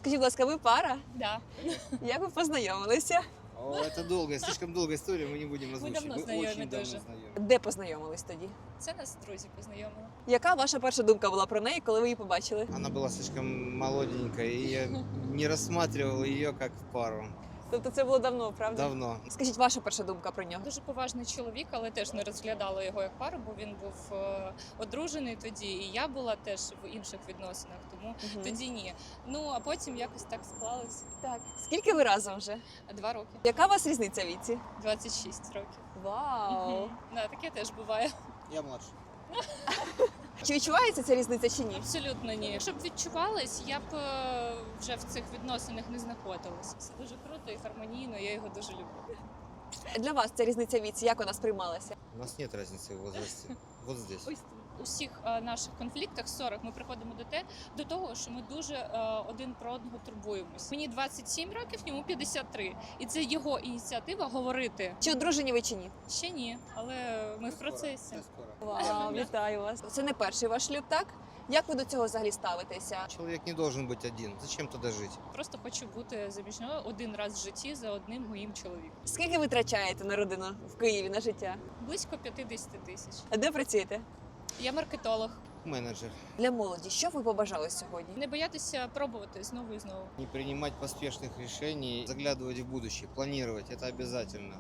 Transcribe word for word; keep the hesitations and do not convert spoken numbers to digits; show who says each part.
Speaker 1: Скажіть, будь ласка, ви пара?
Speaker 2: Да.
Speaker 1: Як ви познайомилися?
Speaker 3: О, это долгая, слишком долгая история, мы не будем озвучивать.
Speaker 2: давно
Speaker 3: Мы
Speaker 2: знакомы
Speaker 3: очень давно
Speaker 2: тоже.
Speaker 3: знакомы.
Speaker 1: Де познайомились тоді?
Speaker 2: Це нас друзі познайомили.
Speaker 1: Яка ваша перша думка була про неї, коли ви її побачили?
Speaker 3: Она была слишком молоденькая, и я не рассматривал ее как пару.
Speaker 1: Тобто це було давно, правда?
Speaker 3: Давно.
Speaker 1: Скажіть, ваша перша думка про нього?
Speaker 2: Дуже поважний чоловік, але теж не розглядала його як пару, бо він був е, одружений тоді, і я була теж в інших відносинах, тому
Speaker 1: Мгм.
Speaker 2: тоді ні. Ну а потім якось так склалось.
Speaker 1: Так. Скільки ви разом вже?
Speaker 2: Два роки,
Speaker 1: Яка у вас різниця в віці?
Speaker 2: двадцять шість років.
Speaker 1: Вау!
Speaker 2: Мгм. Да, таке теж буває.
Speaker 3: Я младше.
Speaker 1: Чи відчувається ця різниця чи ні?
Speaker 2: Абсолютно ні. Якщо б відчувалась, я б е, вже в цих відносинах не знаходилась. Це дуже круто і гармонійно, я його дуже люблю.
Speaker 1: Для вас ця різниця в віці, як вона сприймалася?
Speaker 3: У нас нет разницы в возрасте. Вот здесь.
Speaker 2: Ось у всіх е, наших конфліктах ссорах ми приходимо до те, до того, що ми дуже е, один про одного турбуємось. Мені двадцять сім років, йому п'ятдесят три. І це його ініціатива говорити.
Speaker 1: Чи одружені ви чи ні?
Speaker 2: Ще ні, але ми в процесі.
Speaker 3: Я скоро.
Speaker 1: Вау, вітаю вас. Це не перший ваш шлюб, так? Як ви до цього взагалі ставитеся?
Speaker 3: Человек не должен быть один. Зачем туда жить?
Speaker 2: Просто хочу бути заміжньою один раз в житті за одним моїм чоловіком.
Speaker 1: Скільки ви витрачаєте на родину в Києві на життя?
Speaker 2: Близько п'ятдесят тисяч.
Speaker 1: А де працюєте?
Speaker 2: Я маркетолог.
Speaker 3: Менеджер.
Speaker 1: Для молоді, що б ви побажали сьогодні?
Speaker 2: Не боятися пробувати знову і знову.
Speaker 3: Не принимать поспешных решений, заглядывать в будущее, планировать. Это обязательно.